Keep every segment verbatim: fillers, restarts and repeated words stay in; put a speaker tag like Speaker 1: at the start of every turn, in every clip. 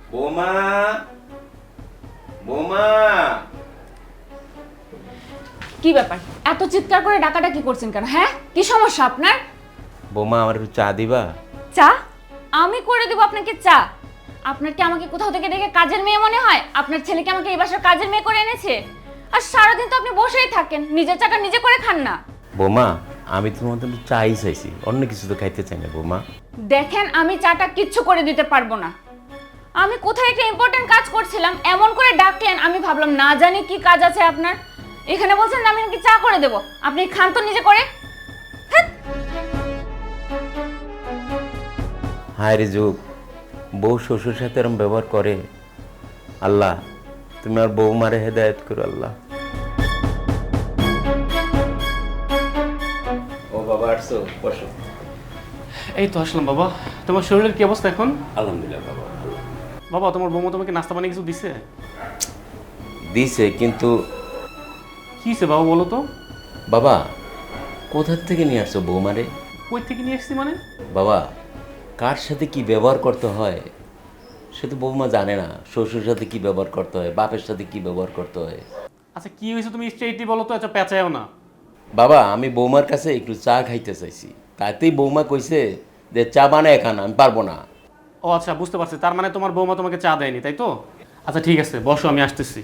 Speaker 1: বৌমা, বৌমা।
Speaker 2: কি ব্যাপার, এত চিৎকার করে ডাকাডাকি করছেন কেন? হ্যাঁ, কি সমস্যা আপনার?
Speaker 1: বৌমা, আমার একটু চা দিবা?
Speaker 2: চা? আমি করে দেবো আপনাকে চা? আপনার কি আমাকে কোথাও থেকে দেখে কাজের মেয়ে মনে হয়? আপনার ছেলে কি আমাকে এই বাসার কাজের মেয়ে করে এনেছে? আর সারাদিন তো আপনি বসেই থাকেন, নিজের চাটা নিজে করে খান না।
Speaker 1: বৌমা, আমি তোমার জন্য চাই চাইছি, অন্য কিছু তো খাইতে চাই না বৌমা।
Speaker 2: দেখেন, আমি চাটা কিচ্ছু করে দিতে পারবো না। আমি কোথায় একটা ইম্পর্টেন্ট কাজ করছিলাম, এমন করে ডাকলেন, আমি ভাবলাম না জানি কি কাজ আছে আপনার। এখানে বলছেন আমি নাকি চা করে দেবো, আপনি খান তো নিজে করে। হ্যাঁ।
Speaker 1: হায় রে যুগ, বউ শ্বশুর সাথে এরম ব্যবহার করে। আল্লাহ, তুমি আর বৌমারে হেদায়েত করো আল্লাহ। ও বাবা, আসছো, বসো।
Speaker 3: এই তো আসলাম বাবা। তোমার শরীরের কি অবস্থা এখন?
Speaker 1: আলহামদুলিল্লাহ বাবা।
Speaker 3: বাবা, তোমার বৌমা তোমাকে নাস্তা বানিয়ে কিছু দিছে?
Speaker 1: দিছে, কিন্তু
Speaker 3: কি হয়েছে বাবা বলো তো?
Speaker 1: বাবা, কোথা থেকে নিয়ে আসছো বৌমারে?
Speaker 3: কই থেকে নিয়ে এসেছি মানে?
Speaker 1: বাবা, কার সাথে কি ব্যবহার করতে হয় সে তো বৌমা জানে না। শ্বশুর সাথে কি ব্যবহার করতে হয়, বাপের সাথে কি ব্যবহার করতে হয়।
Speaker 3: আচ্ছা কি হয়েছে তুমি স্ট্রেইটলি বলো তো, আচ্ছা পেঁচায়ও না।
Speaker 1: বাবা, আমি বৌমার কাছে একটু চা খাইতে চাইছি, তাতেই বৌমা কইছে যে চা বানায় খান, আমি পারবো না।
Speaker 3: ও আচ্ছা, বুঝতে পারছি, তার মানে তোমার বৌমা তোমাকে চা দেয়নি, তাই তো? আচ্ছা ঠিক আছে, বসো, আমি আসতেছি।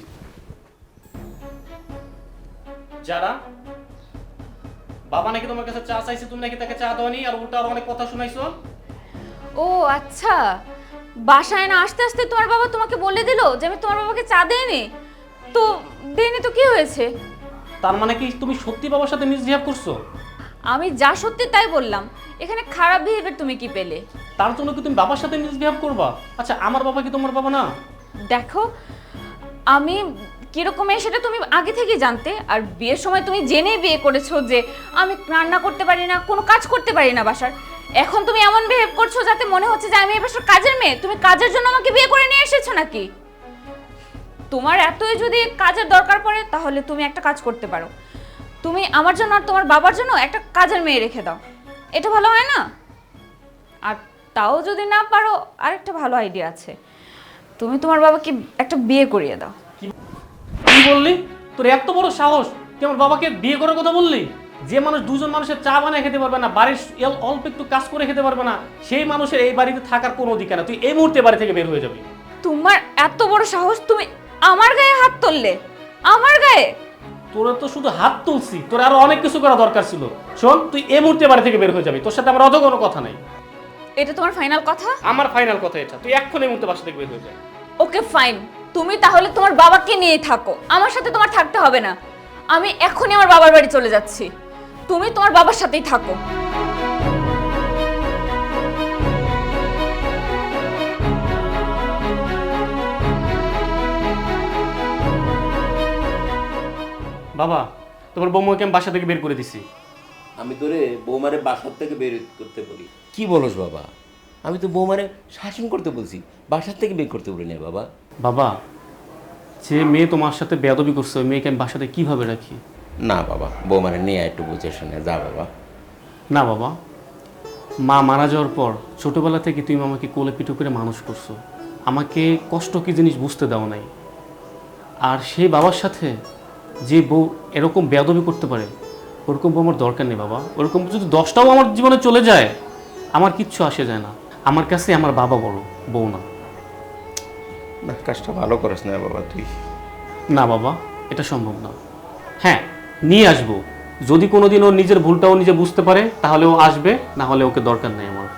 Speaker 3: যারা বাবা নাকি তোমার কাছে চা চাইছে, তুমি নাকি তাকে চা দাওনি, আর উল্টা আরো অনেক কথা শুনাইছো।
Speaker 2: ও আচ্ছা, বাসায় না আসতে আসতে তোমার বাবা তোমাকে বলে দিল যে আমি তোমার বাবাকে চা দেইনি? তো দেইনি তো কি হয়েছে?
Speaker 3: তার মানে কি তুমি সত্যি বাবার সাথে মিসবিহেভ করছো?
Speaker 2: আমি যা সত্যি তাই বললাম, এখানে খারাপ বিহেভিয়ার তুমি কি পেলে?
Speaker 3: তার জন্য কি তুমি বাবার সাথে মিসবিহেভ করবা? আচ্ছা আমার বাবা কি তোমার বাবা না?
Speaker 2: দেখো, আমি কিরকম মেয়ে সেটা তুমি আগে থেকেই জানতে, আর বিয়ের সময় তুমি জেনেই বিয়ে করেছো যে আমি রান্না করতে পারি না, কোনো কাজ করতে পারি না বাসার। এখন তুমি এমন বিহেভ করছো যাতে মনে হচ্ছে যে আমি এই বাসার কাজের মেয়ে। তুমি কাজের জন্য আমাকে বিয়ে করে নিয়ে এসেছো নাকি? তোমার এতই যদি কাজের দরকার পড়ে তাহলে তুমি একটা কাজ করতে পারো, তুমি আমার জন্য আর তোমার বাবার জন্য একটা কাজের মেয়ে রেখে দাও, এটা ভালো হয় না? আর তাও যদি না পারো, আরেকটা ভালো আইডিয়া আছে, তুমি তোমার বাবাকে একটা বিয়ে করিয়ে দাও।
Speaker 3: কি বললি? তোর এত বড় সাহস, তুই আমার বাবাকে বিয়ে করার কথা বললি? যে মানুষ দুজন মানুষের চা বানিয়ে খেতে পারবে না, বাড়ির এল- অল্প একটু কাজ করে খেতে পারবে না, সেই মানুষের এই বাড়িতে থাকার কোনো অধিকার না। তুই এই মুহূর্তে বাড়ি থেকে বের হয়ে যাবি।
Speaker 2: তোমার এত বড় সাহস, তুমি আমার গায়ে হাত তুললে? আমার গায়ে?
Speaker 3: তোরা তো শুধু হাত তুলছি, তোর আরো অনেক কিছু করা দরকার ছিল। শোন, তুই এই মুহূর্তে বাড়ি থেকে বের হয়ে যাবি, তোর সাথে আমার অত কোনো কথা নাই।
Speaker 2: এটা তোমার ফাইনাল কথা?
Speaker 3: আমার ফাইনাল কথা এটা, তুই এক্ষুনি এই মুহূর্তে বাসা থেকে বের হয়ে যা।
Speaker 2: ওকে ফাইন, তুমি তাহলে তোমার বাবাকে নিয়ে থাকো, আমার সাথে তোমার থাকতে হবে না। আমি এখনই আমার বাবার বাড়ি চলে যাচ্ছি, তুমি তোমার বাবার সাথেই থাকো।
Speaker 3: বাবা, তোমার বৌমাকে আমি বাসা থেকে বের করে দিছি।
Speaker 1: আমি তোরে বৌমারে বাসার থেকে বের করতে বলি? কি বলস বাবা? আমি তো বৌমারে শাসন করতে বলছি, বাসার থেকে বের করতে বলি না বাবা।
Speaker 3: বাবা, যে মেয়ে তোমার সাথে বেয়াদবি করছে, ওই মেয়েকে আমি বাসাতে কিভাবে রাখি?
Speaker 1: না বাবা, বৌমারে নিয়ে আয়, একটু বুঝে শুনে যা বাবা।
Speaker 3: না বাবা, মা মারা যাওয়ার পর ছোটবেলা থেকে তুমি আমাকে কোলে পিঠু করে মানুষ করছো, আমাকে কষ্ট কি জিনিস বুঝতে দাও নাই। আর সেই বাবার সাথে যে বউ এরকম বেয়াদবি করতে পারে, ওরকম বউ আমার দরকার নেই বাবা। ওরকম যদি দশটাও আমার জীবনে চলে যায়, আমার কিচ্ছু আসে যায় না। আমার কাছে আমার বাবা বড়, বউ না।
Speaker 1: না, কাজটা ভালো করিস না বাবা তুই।
Speaker 3: না বাবা, এটা সম্ভব না। হ্যাঁ, নিয়ে আসবো, যদি কোনোদিন ও নিজের ভুলটাও নিজে বুঝতে পারে তাহলে ও আসবে, না হলে ওকে দরকার নেই আমার।